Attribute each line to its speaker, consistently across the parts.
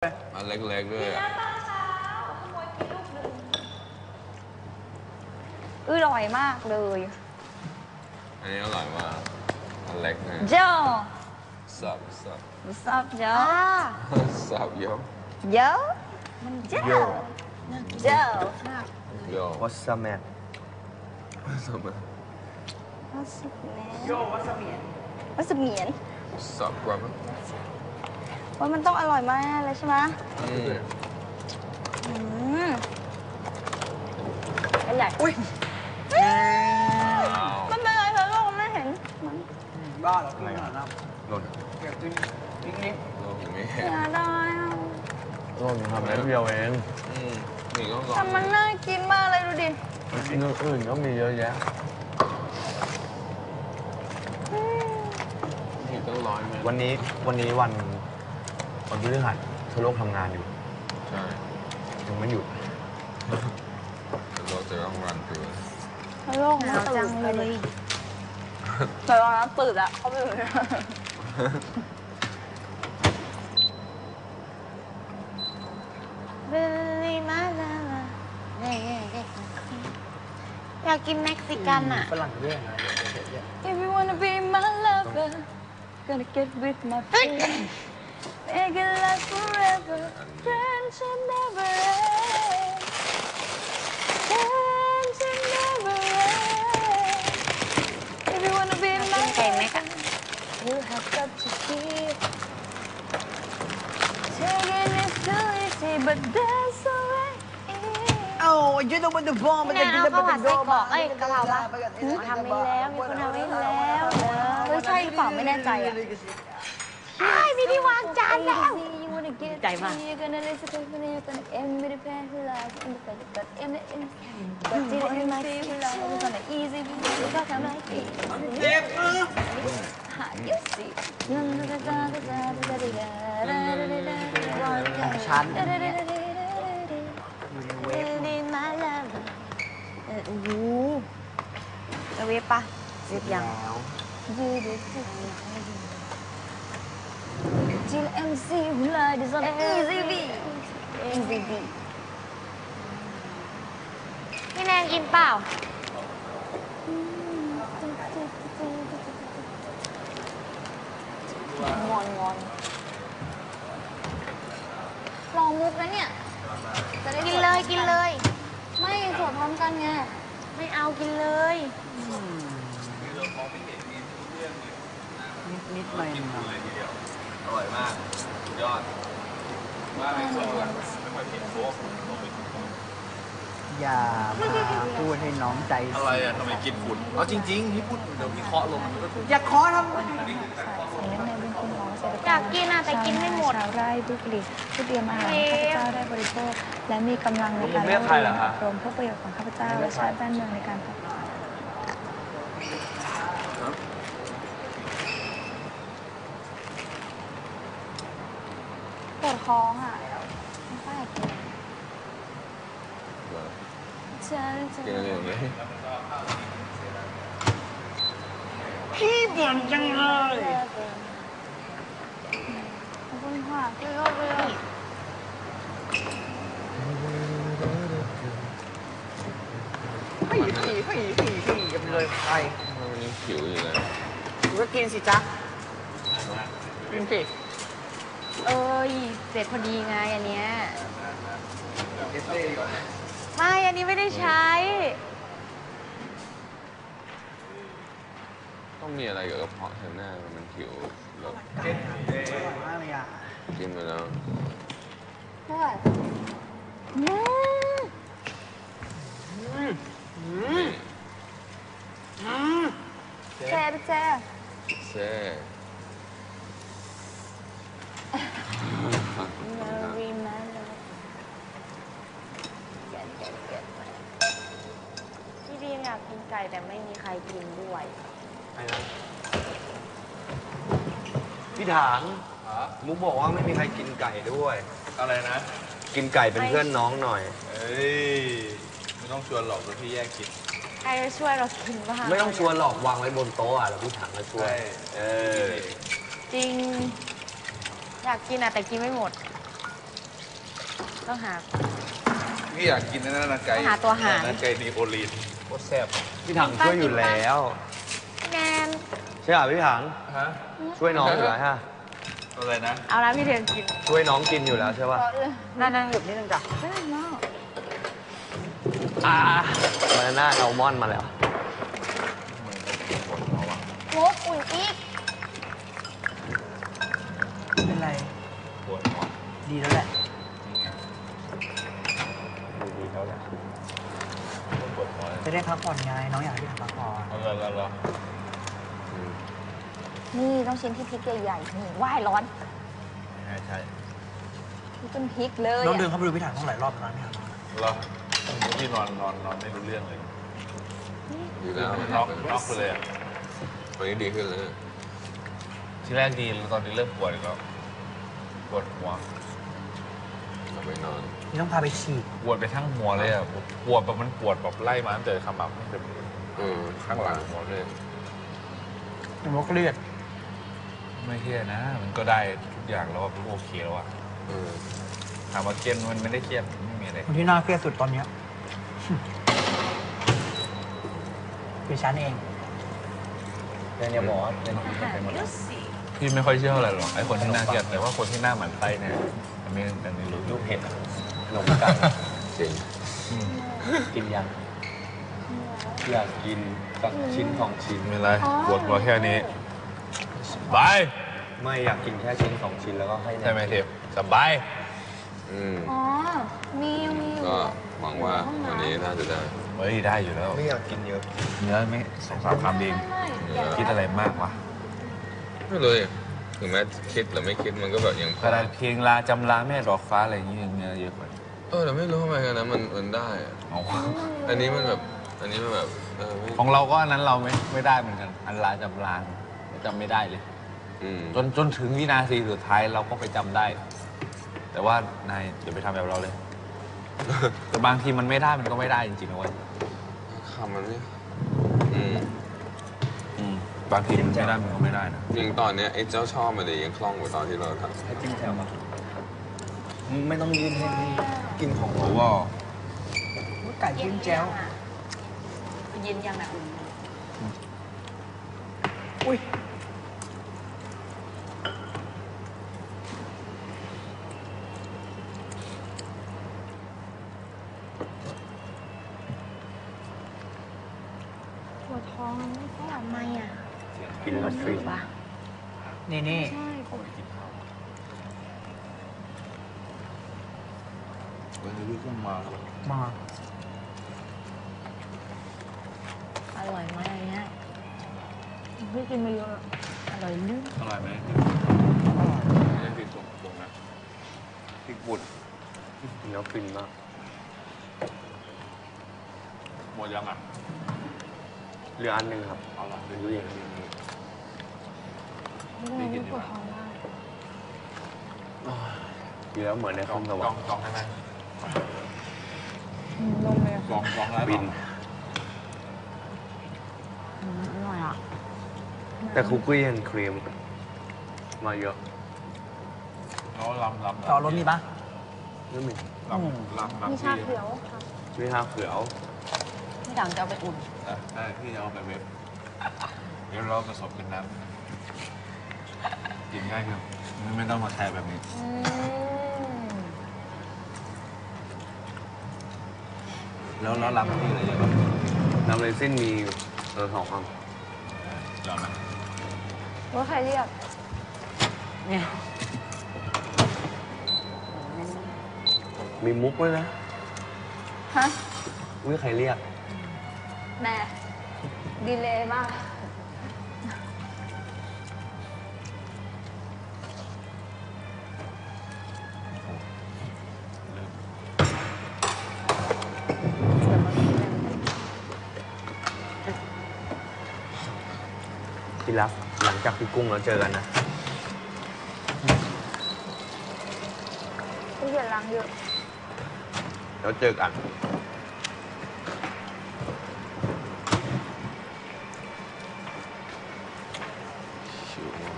Speaker 1: อันเล็กๆด้วยอ่ะ
Speaker 2: อร่อยมากเลย
Speaker 1: อันนี้อร่อยมากอันเล็กนะ
Speaker 2: เจ้า
Speaker 1: สับ
Speaker 2: What's up เจ้า
Speaker 1: สับเยอะ
Speaker 2: เจ้ามันเจ้าเจ้า
Speaker 1: เยอะ
Speaker 3: What's up man
Speaker 1: สับ
Speaker 2: What's up man What's up เหมียน
Speaker 1: สับครับ
Speaker 2: ว่ามันต้องอร่อยมากเลยใช่ไหมเป็นใหญ่อุ้ยมันเป็นอะไรเธอโลกไม่เห็น
Speaker 3: บ้าเหรออะไรอ่ะหล่น
Speaker 1: โลกอย่างนี้
Speaker 2: เสียดายอ่ะ
Speaker 3: หล่นทำอะไรเดียวเอง
Speaker 1: นี่ก็ก่อน
Speaker 2: แต่มันน่ากินมากเลยดูดิ
Speaker 3: กินอื่นก็มีเยอะแยะ
Speaker 1: นี่ต้องร้อยไหม
Speaker 3: วันนี้วันพฤหัสทั่วโลกทำงานอยู่
Speaker 1: ใช่
Speaker 3: ยังไม่หยุด
Speaker 1: แต่เราจะต้องรันตัว
Speaker 2: โลกมันจังเลยแต่ตอนนั้นตื่นอะเขาไม่รู้
Speaker 4: เบลลี่มาลาอยากกินเม็กซิกันอ่ะ
Speaker 3: ฝรั่งด้วย
Speaker 2: If you wanna be my lover gonna get with my friend make it last forever friendship never end friendship never end If you wanna be my
Speaker 4: ไก่แม็กอะ
Speaker 2: you have got to keep taking it too easy but that's alright
Speaker 5: โอ้ยยืดบนตัวบอมมันจะกิน
Speaker 4: ข้าวผัดไส้กรอก
Speaker 5: เอ้ย
Speaker 4: กะเพราปะทำไปแล้วมีคนทำให้แล้ว
Speaker 2: เฮ้ยใช่หรือเปล่าไม่แน่ใจอะ
Speaker 4: ใช่พี่ที่วางจานแล้ว
Speaker 2: ใจมาก You're gonna listen to me, you're gonna end with a pain who loves independent, but in the end, but didn't end my feel who loves it's gonna easy because I'm like it. You see.
Speaker 5: ฉัน
Speaker 4: ดีมาแล้วโอ้โหจะเวฟปะเวฟยัง
Speaker 2: Till MC who loves it's gonna easy beat. Easy beat.
Speaker 4: พี่แนนกินเปล่า
Speaker 2: งอนลองมุกนะเนี่ยจะได้
Speaker 4: กินเลยกินเลย
Speaker 2: ไม่สวดพร้อมกันไง
Speaker 4: ไม่เอากินเลย
Speaker 5: นิดหน่อย
Speaker 1: อร่อยมากสุดยอดว่าไม่ค่อยเผ็ดโค้ก
Speaker 5: อย่ามาพูดให้น้องใจ
Speaker 1: อะไรอ่ะทำไมกินฝุ่นเอาจริงๆที่พูดเดี๋ยวพี่เคาะลงมันก็ถูก
Speaker 5: อย่าขอทำ
Speaker 4: อยากกินอะแต่กินไม่หมด
Speaker 2: ชาวไร่ผู้ผลิตผู้เตรียมอาหารให้ข้าพเจ้าได้บริโภค และมีกำลังในการ
Speaker 3: เรียกใครเหรอคะ
Speaker 2: รวมเพื่อประโยชน์ของข้าพเจ้าและชาติบ้านเมืองในการพัฒนาปวดท้องอ่ะไม่ค่อยอยากกินฉันจะ
Speaker 1: กินอะไรอย่างนี้
Speaker 5: พี่บ่นจังเลย
Speaker 2: ขอบคุณค่ะ
Speaker 5: ให้กันเลยไป
Speaker 1: มันยังผิวอยู่เลย
Speaker 5: ก็กินสิจ๊ะกินสิ
Speaker 4: เอ้ยเสร็จพอดีไงอันเนี้ยไม่อันนี้ไม่ได้ใช้
Speaker 1: ต้องมีอะไรเกี่ยวกับกระเพาะเธอหน้ามันผิวแล้ว
Speaker 5: อร่อยมากเลยอ่ะ
Speaker 1: กินไปแล้ว
Speaker 2: เท่าไหร่ แซ่บแซ่บ
Speaker 1: แซ่
Speaker 4: พี่ดีมอยากกินไก่แต่ไม่มีใครกินด้วย
Speaker 3: พี่ถางมุกบอกว่าไม่มีใครกินไก่ด้วย
Speaker 1: อะไรนะ
Speaker 3: กินไก่เป็นเพื่อนน้องหน่อย
Speaker 1: เอ้ยไม่ต้องชวนหรอกเดี๋ยวพี่แยกกิน
Speaker 4: ใครจะช่วยเรากินบ้าง
Speaker 3: ไม่ต้องชวนหรอกวางไว้บนโต๊ะอ่ะแล้วพี่ถางมาช่วย
Speaker 1: ใช่
Speaker 3: เออ
Speaker 4: จริง อยากกินอะแต่กินไม่หมดต้องหา
Speaker 1: พี่อยากกินนั่นนะไก่
Speaker 4: หาตัวหาร
Speaker 1: ไก่ดีโอลีนโคตรแซ่บ
Speaker 3: พี่ถังช่วยอยู่แล้ว
Speaker 4: แนน
Speaker 3: ใช่ป่ะพี่ถัง
Speaker 1: ฮะ
Speaker 3: ช่วยน้องอยู่แล้วฮะ
Speaker 1: อะไรนะ
Speaker 4: เอาละพี่เทียนกิน
Speaker 3: ช่วยน้องกินอยู่แล้วใช่ป่ะ
Speaker 5: นั่งหยุดนิดนึงจ้ะ
Speaker 3: บานาน่าอัลมอนด์มาแล้ว
Speaker 2: โมกอุ่นอีก
Speaker 5: เป็นไร
Speaker 1: ปวดหัว
Speaker 5: ดีแล้วแหละ
Speaker 1: ดีแล้วแหละปวดหัว
Speaker 5: จะได้พักผ่อนไงน้องอยากให้พี่ถังพักผ่อน
Speaker 1: เอาละ
Speaker 2: นี่ต้องชิ้นที่พริกใหญ่ๆนี่ว่ายร้อน
Speaker 1: ใช่
Speaker 2: นี่เป็นพริกเลย
Speaker 5: น้องเดิน
Speaker 2: อะ
Speaker 5: เข้าไปดูพี่ถังต้องหลายรอบแล้วนะพี่ถัง
Speaker 1: เหรอพี่นอนไม่รู้เรื่องเลย
Speaker 6: อยู่แล้ว
Speaker 1: น็อกไปเลย
Speaker 6: ตอนนี้ดีขึ้นแล้ว
Speaker 1: ทีแรกดีตอนนี้เริ่มปวดอีกแล้วปวดหัว
Speaker 6: กลับไปนอน
Speaker 5: นี่ต้องพาไปฉีด
Speaker 1: ปวดไปทั้งหัวเลยอ่ะปวดแบบมันปวดแบบไล่มาตั้งแต่ขมับตั้งแต่ ข้างหลังหัวเลย
Speaker 5: เป็นโรคเลือด
Speaker 1: ไม่เครียดนะ มันก็ได้ทุกอย่างแล้วว่าโอเคแล้วอะถามว่าเครียดมันไม่ได้เครียดไม่มีอะไร
Speaker 5: คนที่น่าเครียดสุดตอนเนี้ยคือฉันเอง
Speaker 3: เนี่ยหมอเนี่ย
Speaker 1: พี่ไม่ค่อยเชื่ออะไรหรอกไอ้คนที่น่าเครียดแต่ว่าคนที่หน้าหมันไส้เนี่ยอันนี้รู้
Speaker 3: ลูกเห็ดอะขนมไก่
Speaker 6: จริง
Speaker 3: กินยังอยากกินสักชิ้นของชิ้น
Speaker 1: ไม่เป็นไรปวดหัวแค่นี้สบาย
Speaker 3: ไม่อยากกินแค่ชิ้นสองชิ้นแล้วก็ให้แนน
Speaker 1: ใช่ไหมเทพสบาย
Speaker 2: อ๋อ มีอยู่
Speaker 6: ก็หวังว่าวันนี้น่าจะได้
Speaker 1: เฮ้ยได้อยู่แล้ว
Speaker 3: ไม่อยากกินเยอะ
Speaker 1: เนื้อไม่2-3 คำเอง
Speaker 2: ไม่
Speaker 1: คิดอะไรมากวะ
Speaker 6: ไม่เลยถึงแม้คิดหรือไม่คิดมันก็แบบยัง
Speaker 1: กระดาษเพลงลาจำลาแม่ดอกฟ้าอะไรอย่างเงี้ยเนื้อเยอะกว่า
Speaker 6: แต่ไม่รู้ทำไมกันนะมันได้อะ
Speaker 1: เอา
Speaker 6: อันนี้มันแบบไม่
Speaker 1: ของเราก็อันนั้นเราไม่ได้เหมือนกัน อันลาจำลาจำไม่ได้เลย จนถึงวินาทีสุดท้ายเราก็ไปจำได้ แต่ว่านายอย่าไปทำแบบเราเลย แต่บางทีมันไม่ได้มันก็ไม่ได้จริงๆนะเว้ย
Speaker 6: คำมันไม่
Speaker 1: บางทีมันไม่ได้มันก็ไม่ได้นะ
Speaker 6: ยังตอนเนี้ยไอ้เจ้าชอบมันเลยยังคล่องกว่าตอนที่เราทำ
Speaker 3: ให้จิ้มแจ่วมาไม่ต้องยื่นให้พี่กินของ
Speaker 1: โอ้
Speaker 3: เรา
Speaker 1: ว่า
Speaker 5: ไก่จิ้มแจ่ว
Speaker 2: เย็นยังอ่ะอุ่น
Speaker 5: อุ้ย
Speaker 2: ปวดท้องไม่ค่อยออก
Speaker 4: ทำไมอ่ะ
Speaker 3: กินแล้วฟรี
Speaker 4: ปะ
Speaker 5: นี่
Speaker 2: ใช่
Speaker 1: วันนี้ก็มา
Speaker 5: มา
Speaker 4: อร่อยไหมอันเนี้ย
Speaker 2: พี่กินมาเยอะ
Speaker 4: อร่อยลืม
Speaker 1: อร่อยไหมไม่ได้ผิดตรงนะพริกบุตร
Speaker 3: กินแล้วฟินมาก
Speaker 1: หมดยังอ่ะ
Speaker 3: เหลืออันหนึ่งครับ
Speaker 1: เอาละ
Speaker 3: เป็นด้วย
Speaker 2: ไม่ได้ปวดท้องมาก
Speaker 3: กินแล้วเหมือนในคอมสวรรค์
Speaker 1: จองได้ไหม
Speaker 2: นมเลย
Speaker 1: จองแล้ว
Speaker 3: บิน
Speaker 4: อร่อยอ่ะ
Speaker 3: แต่คุกกี้ยังครีมมาเยอะ
Speaker 1: แล้วลำ
Speaker 5: ต่อรถมีปะ
Speaker 3: ไม่มี
Speaker 1: ลำ
Speaker 2: มีชาเขียวค่ะ
Speaker 3: ช่วยห้าเขืยว
Speaker 4: พี่ถังจะเอาไปอุ่น
Speaker 1: ได้พี่จะเอาไปเว็บเดี๋ยวเราผสมกันน้ำกินง่ายครับไม่ต้องมาแทนแบบนี้ แล้วลำพี่อะไรเยอะบ้าง
Speaker 3: น้ำเรซินมี2 คำ
Speaker 1: ลำไหม
Speaker 2: ว่าใครเรียก
Speaker 4: เนี่ย
Speaker 3: มีมุกด้วยนะ
Speaker 2: ฮะ
Speaker 3: ไม่ใครเรียก
Speaker 2: แม่ดีเลยมาก
Speaker 3: ที่รักหลังจากพี่กุ้งเราเจอกันนะ
Speaker 2: พี่เขียนล้างเยอะ
Speaker 3: แล้วเจอกัน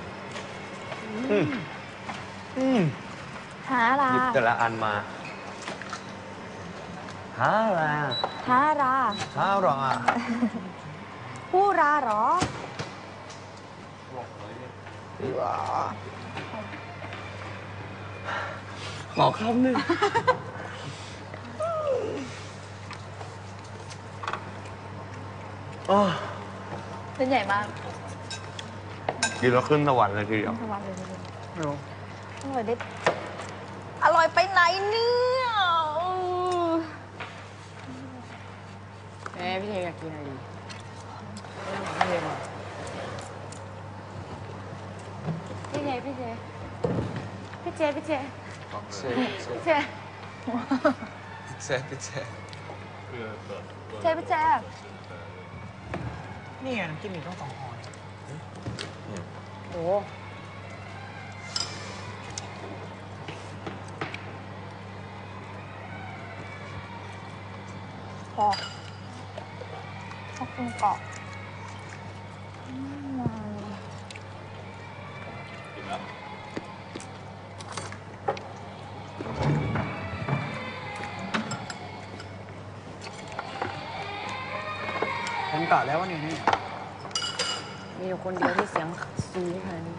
Speaker 2: หาอะไร
Speaker 3: หยิบแต่ละอันมาหาอะไร
Speaker 4: ฮารา
Speaker 3: หาหรอ
Speaker 4: ฮูราเหรอ
Speaker 3: ขอคำหนึ่ง
Speaker 2: เส้นใหญ่มาก
Speaker 3: กินแล้วขึ้นสวรรค์เลยทีเดียว
Speaker 2: สวรรค์เลย
Speaker 3: ไม่รู้
Speaker 2: อร่อยได้อร่อยไปไหนเนี่ยแม่พี่เทอยากกินอะไรดีพี่เทพี่เทพี่เจพี่เจ
Speaker 6: เซ่
Speaker 2: พี่เจ
Speaker 6: เซ่พี่เซ่
Speaker 2: เจพี่เจ
Speaker 5: นี่ไงน้ำจิ้มมีต้อง2 ห่อ
Speaker 2: โอ้พอขอบคุณเกาะ
Speaker 5: ผมกะแล้วว่านี่
Speaker 2: มีอยู่คนเดียวที่เสียงสูงขนาดนี้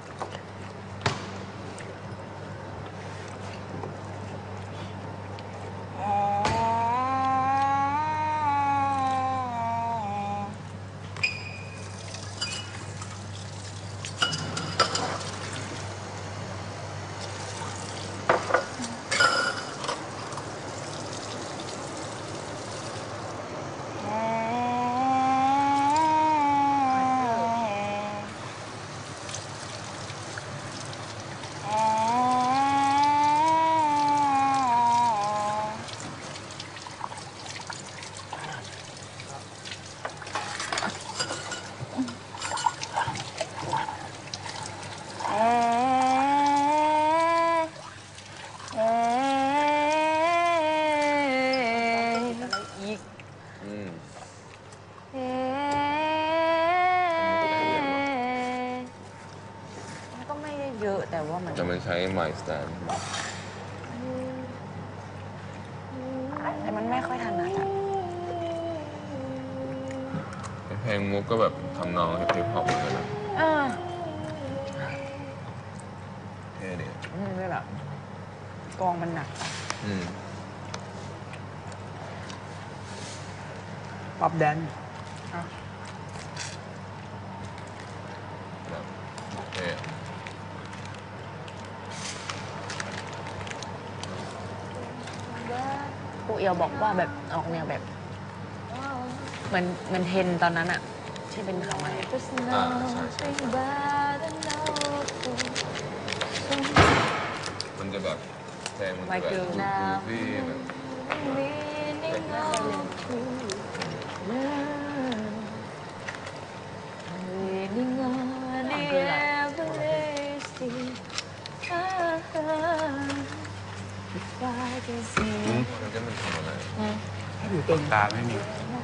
Speaker 6: อืม
Speaker 2: มันก็ไม่ได้เยอะแต่ว่ามัน
Speaker 6: จะมันใช้ My Stand
Speaker 2: แต่มันไม่ค่อยถนัดอะ
Speaker 6: เพลงมุกก็แบบทำนองฮิปฮอปเหมือนกันนะ
Speaker 2: เออ
Speaker 6: เท่ดี
Speaker 2: ไม่แบบกองมันหนักอะ
Speaker 6: อืม
Speaker 5: ป๊อปแดน
Speaker 6: แบบเท่
Speaker 2: ครูเอียวบอกว่าแบบออกแนวแบบเหมือนเทนตอนนั้นอะที่เป็นคำอะไรอะ
Speaker 6: ใช่ใช่มันจะแบบเพลงมันจะแบบดูฟี่แบบ มันจะมันทำอะไร
Speaker 5: อยู่เต็ม
Speaker 3: ตาไม่มี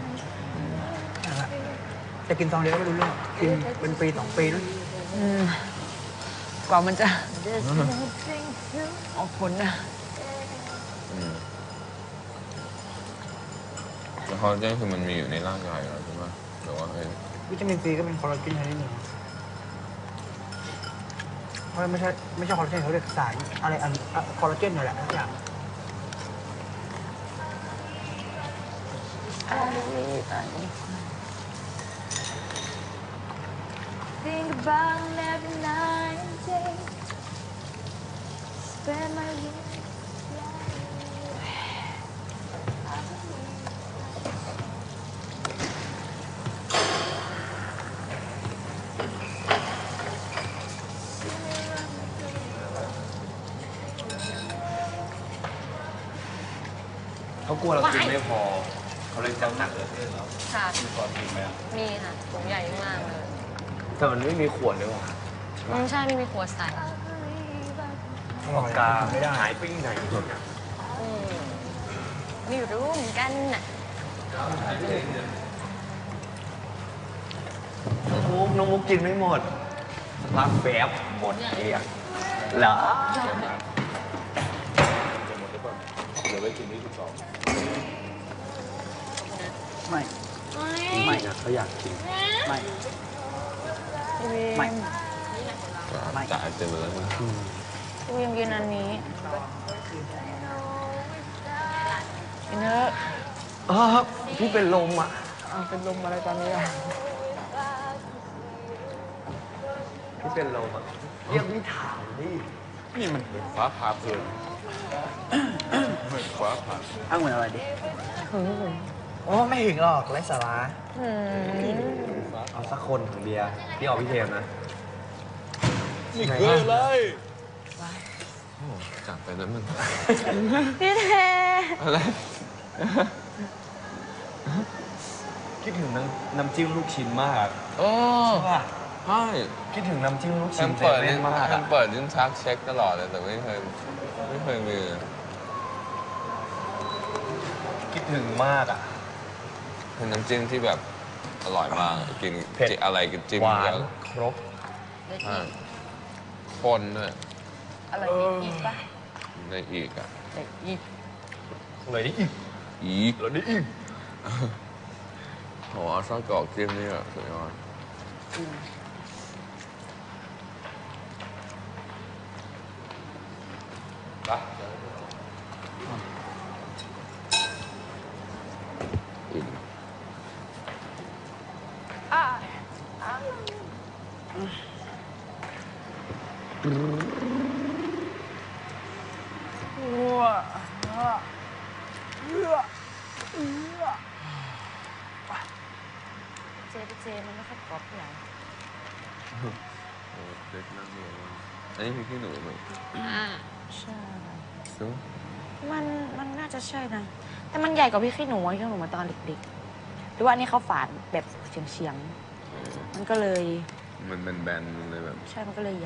Speaker 5: จะกินซองเดียวก็ไม่รู้เรื่องกินเป็นปี2 ปีนะ
Speaker 2: กว่ามันจะออกผลนะ
Speaker 6: อืมแล้วคอลลาเจนคือมันมีอยู่ในร่างกายอยู่แล้วใช่ไหมหรือว่าเอ้ย
Speaker 5: วิตามินซีก็เป็นคอลลาเจนชนิดหนึ่งเพราะไม่ใช่คอลลาเจนเขาเรียกสารอะไรคอลลาเจนนี่นแหละทุกอย่าง
Speaker 2: Think about every night and day. Spend my week.
Speaker 3: เขากลัวเรากินไม่พอ เขาเลยจำหนักเลยเหรอ
Speaker 2: ค่ะ
Speaker 3: มีก่อนกินไหมอ่ะ
Speaker 2: มีค่ะถุงใหญ่มากเลย
Speaker 3: แต่มันไม่มีขวดเลยว่ะ
Speaker 2: ใช่ไม่มีขวดใส่
Speaker 5: อร่อย
Speaker 3: กา
Speaker 5: ไม่ได้
Speaker 3: หายไปไหน
Speaker 2: ไม่รู้เหมือนกันน่ะ
Speaker 3: น้องมุกกินไม่หมดพักแป๊บหมดเองเหรอ
Speaker 6: เหลือไว้กินที่12
Speaker 5: ไม่
Speaker 3: ไม่นะเขาอยากกิน
Speaker 5: ไม่
Speaker 2: พี่วิม
Speaker 5: ไม่ ไม่
Speaker 6: จ่ายเต็มเลยมึง
Speaker 2: พี่วิมกินอันนี้กินเถอะ
Speaker 3: พี่เป็นลมอ่ะ
Speaker 2: เป็นลมอะไรตอนนี้อ่ะ
Speaker 3: พี่เป็นลมอ่ะเรียกพี่ถามดิ
Speaker 1: นี่มันเหมือนฟ้าผ่าเพลินเหมือนฟ้าผ่า
Speaker 5: อ้างเหมือนอะไรดิโอ้ไม่ถึงหรอกไร้สาระ
Speaker 3: เอาสักคนของเบียร์พี่เอาพี่เทมนะ
Speaker 1: นี่คืออะไร
Speaker 6: จัดไปนั้นมึง
Speaker 2: พี่เท
Speaker 6: อะไร
Speaker 3: คิดถึงน้ำจิ้มลูกชิ้นมาก
Speaker 6: โอ้
Speaker 3: ใช่ป่ะ
Speaker 6: ใช่
Speaker 3: คิดถึงน้ำจิ้มลูก
Speaker 6: แอ
Speaker 3: ชิ้น
Speaker 6: มเปิด
Speaker 3: เซ
Speaker 6: ลิ้
Speaker 3: เว่
Speaker 6: น
Speaker 3: นมาก
Speaker 6: แอ
Speaker 3: อะ
Speaker 6: มเปิดลิ้นชักเช็คตลอดเลยแต่ไม่เคยมี
Speaker 3: คิดถึงมากอ่ะ
Speaker 6: เป็นน้ำจิ้มที่แบบอร่อยมากกิน
Speaker 3: เผ็ด
Speaker 6: อะไรกินจิ้ม
Speaker 3: หวาน
Speaker 6: เยอะ
Speaker 3: ครบ
Speaker 6: อ่าคนด้วย
Speaker 2: อะไรอีกปะ
Speaker 6: ในอีกอ่ะ
Speaker 2: อีก
Speaker 3: เลยดิอีก
Speaker 6: อีก
Speaker 3: แล้วดิอีก
Speaker 6: โหเอาไส้กรอกจิ้มนี่แบบสุดยอดไปอิ่ม
Speaker 2: เจมันไม่ค่อยกรอบเท่าไหร่
Speaker 6: โอ้เด็กนั่งอยู่อันนี้คือขี้หนูไหม
Speaker 2: ใช่
Speaker 6: ดู
Speaker 2: มันน่าจะใช่นะ แต่มันใหญ่กว่าพี่ขี้หนูมาตอนเด็กๆหรือว่าอันนี้เขาฝานแบบเฉียงๆมันก็เลย
Speaker 6: มันเป็นแบนมันเลยแบบ
Speaker 2: ใช่ มันก็เลยใหญ่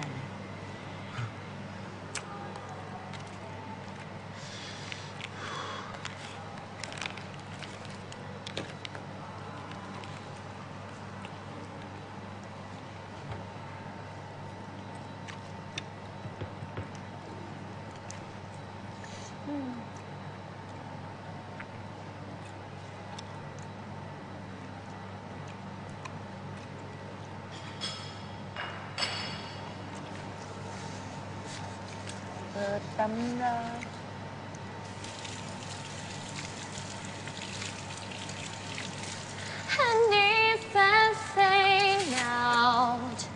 Speaker 2: เปิดตำรา And if I find out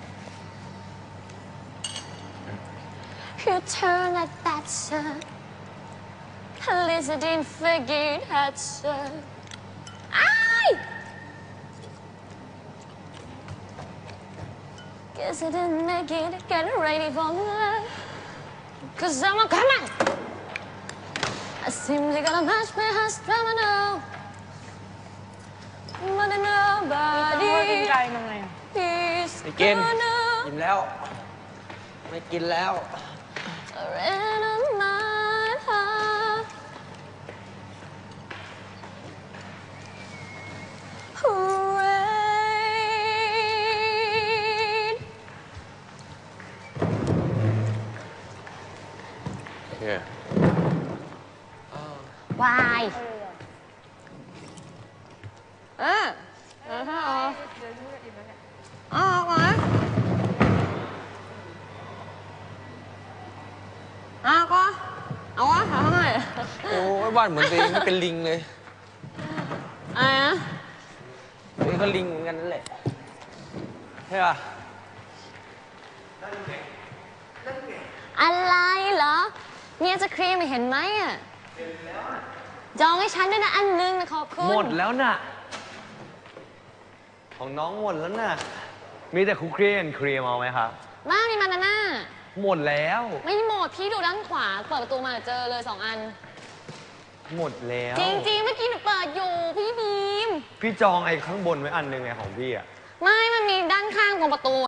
Speaker 2: you turn at that sir, at least I didn't forget that sir. I guess I didn't make it, get ready for love. Cause I'm a coming. I simply gotta match my husband, I know. But nobody is
Speaker 3: ไม่กิน
Speaker 2: gonna
Speaker 3: กินแล้ว ไม่กินแล้ว
Speaker 2: surrender my heart. Rain.
Speaker 6: โอเค
Speaker 2: Why? ออกมาก็เอาวะเอาหน่อย
Speaker 6: โอ้ยบ้านเหมือนตัวเองไม่เป็นลิงเลย
Speaker 2: อะไรนะ
Speaker 3: ตัวเองก็ลิงเหมือนกันนั่นแหละ ใช่ป่ะ
Speaker 2: อะไรเหรอเนี่ยจะครีมเห็นไหมอ่ะจองให้ฉันด้วยนะอันนึงนะขอบคุณ
Speaker 3: หมดแล้วน่ะ ของน้องหมดแล้วน่ะ มีแต่คุกครีนครีมเอาไหมครับ
Speaker 2: บ้ามีมานาน่า
Speaker 3: หมดแล้ว
Speaker 2: ไม่หมดพี่ดูด้านขวาเปิดประตูมาเจอเลย2 อัน
Speaker 3: หมดแล้ว
Speaker 2: จริงๆเมื่อกี้หนูเปิดอยู่พี่บีม
Speaker 3: พี่จองไอ้ข้างบนไว้อันหนึงไงของพี่อ่ะ
Speaker 2: ไม่มันมีด้านข้างตรงประตู